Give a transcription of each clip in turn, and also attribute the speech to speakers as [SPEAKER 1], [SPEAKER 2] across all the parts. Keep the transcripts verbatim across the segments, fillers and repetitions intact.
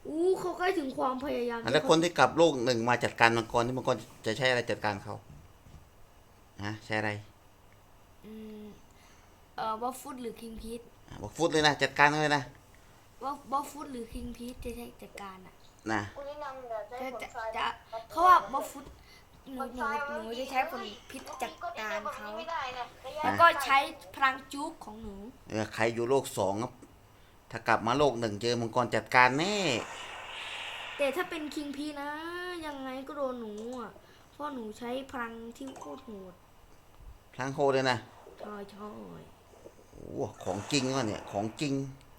[SPEAKER 1] อู้เขาใกล้ถึงความพยายาม
[SPEAKER 2] แล้วคนที่กลับโลกหนึ่งมาจัดการมังกรที่มังกรจะใช้อะไรจัดการเขาฮะใช้อะไร
[SPEAKER 1] อืมเอ่อบัฟฟุตหรือคิงพีท
[SPEAKER 2] บอกฟุตเลยนะจัดการเขาเลยนะ
[SPEAKER 1] ว่าบัฟฟุตหรือคิงพีทจะใช้จัดการอ่ะ
[SPEAKER 2] นะ
[SPEAKER 3] คุณแนะนำเดี๋ยวใช้
[SPEAKER 1] จะจะ
[SPEAKER 3] ผลทราย
[SPEAKER 1] จะ
[SPEAKER 3] มัน
[SPEAKER 1] เขาว่าบัฟฟุตหนู
[SPEAKER 3] ผล
[SPEAKER 1] หนู
[SPEAKER 3] ทรายมัน
[SPEAKER 1] หนูจะใช้ผลพิษจัดการเขา
[SPEAKER 3] ไม่ได้นะระยะ
[SPEAKER 1] แล้วก็ใช้พลังจุกของหนู
[SPEAKER 2] เออใครอยู่โลกสองครับถ้ากลับมาโลกหนึ่งเจอมังกรจัดการแน่
[SPEAKER 1] แต่ถ้าเป็นคิงพีนะยังไงก็โดนหนูอ่ะเพราะหนูใช้พลังที่โคตรโหด
[SPEAKER 2] พลังโคเลยนะ
[SPEAKER 1] ใช่ใช่
[SPEAKER 2] โอ้ของจริงวะเนี่ยของจริง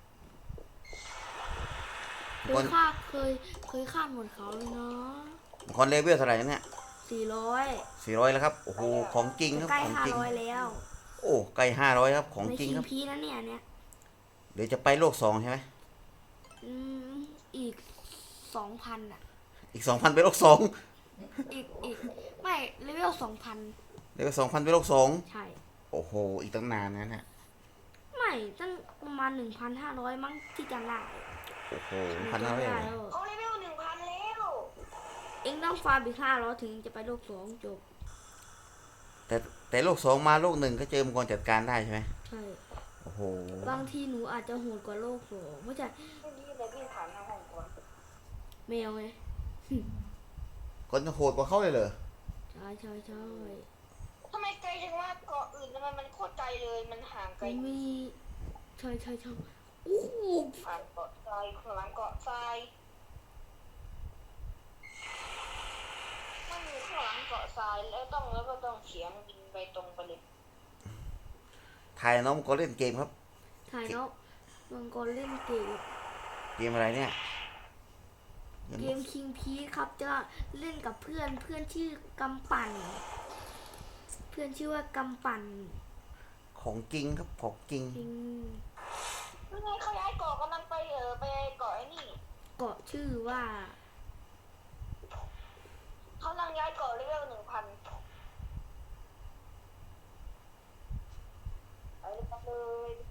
[SPEAKER 1] เค
[SPEAKER 2] มังกร
[SPEAKER 1] ยฆ่าเคยเคยฆ่าหมดเขาเลยเนาะ
[SPEAKER 2] มังกรเลเวลเท่าไหร่เนี่ย
[SPEAKER 1] สี่ร้อย
[SPEAKER 2] สี่ร้อยแล้วครับโอ้โหของจริงครับ
[SPEAKER 1] ใกล้
[SPEAKER 2] ของจริง
[SPEAKER 1] ห้าร้อยแล้ว
[SPEAKER 2] โอ้ใกล้ห้าร้อยครับของ
[SPEAKER 1] ใน
[SPEAKER 2] จริง
[SPEAKER 1] คิง
[SPEAKER 2] ครับ
[SPEAKER 1] พีนะเนี่ยเนี่ย
[SPEAKER 2] เดี๋ยวจะไปโลกสองใช่ไหม
[SPEAKER 1] อืมอีกสองพันอ่ะ
[SPEAKER 2] อีกสองพันไปโลกสอง
[SPEAKER 1] อีกอีกไม่เลเวลสองพัน
[SPEAKER 2] เดี๋ยวสองพันไปโลกสอง
[SPEAKER 1] ใช่
[SPEAKER 2] โอ้โหอีกตั้งนานนะเนี่ย
[SPEAKER 1] ไม่ตั้งประมาณหนึ่งพันห้าร้อยมั้งที่จำได้
[SPEAKER 2] โอ้โห
[SPEAKER 1] หนู
[SPEAKER 2] พันห้า
[SPEAKER 1] จำไม่
[SPEAKER 2] ร้อย
[SPEAKER 1] ได้แล้ว
[SPEAKER 3] เขาเลเวลหนึ่งพันแล้ว
[SPEAKER 1] เอ็งต้องฟาร์มอีกห้าร้อยถึงจะไปโลกสองจบ
[SPEAKER 2] แต่แต่โลกสองมาโลกหนึ่งก็เจอมังกรจัดการได้ใช่ไหม
[SPEAKER 1] ใช่
[SPEAKER 2] โอ้โห
[SPEAKER 1] บางทีหนูอาจจะโหดกว่าโลกสองไม่ใช่
[SPEAKER 3] ไม่ดีเลยพี่ผ่านทางห้องก่อน
[SPEAKER 1] แมวไง
[SPEAKER 2] คนจะโหดกว่าเขาเลยเหรอ
[SPEAKER 1] ใช่ใช่ใช่
[SPEAKER 3] ทำไมไกลจังว่าเกาะอื่นทำไมมันโคตรไกลเลยมันห่างไกล
[SPEAKER 1] มันมีใช่ใช่ใช่โอ้โห
[SPEAKER 3] ผ่านเกาะทรายข้างหลังเกาะทรายมันอยู่ข้างหลังเกาะทรายแล้วต้องแล้วก็ต้องเฉียงบินไปตรงไปเลย
[SPEAKER 2] ถ่ายน้องมังกรเล่นเกมครับ
[SPEAKER 1] ถ่ายเนาะมังกรเล่นเกม
[SPEAKER 2] เกมอะไรเนี่ย
[SPEAKER 1] เกมคิงพีครับจะเล่นกับเพื่อนเพื่อนชื่อกำปั่น เพื่อนชื่อว่ากำปั่น
[SPEAKER 2] ของจริงครับของจริง
[SPEAKER 1] จริง
[SPEAKER 3] ยังไงเขาย้ายเกาะกำลังไปเออไปเกาะไอ้นี่
[SPEAKER 1] เกาะชื่อว่า
[SPEAKER 3] เขากำลังย้ายเกาะเลเวลหนึ่งพันไปเลย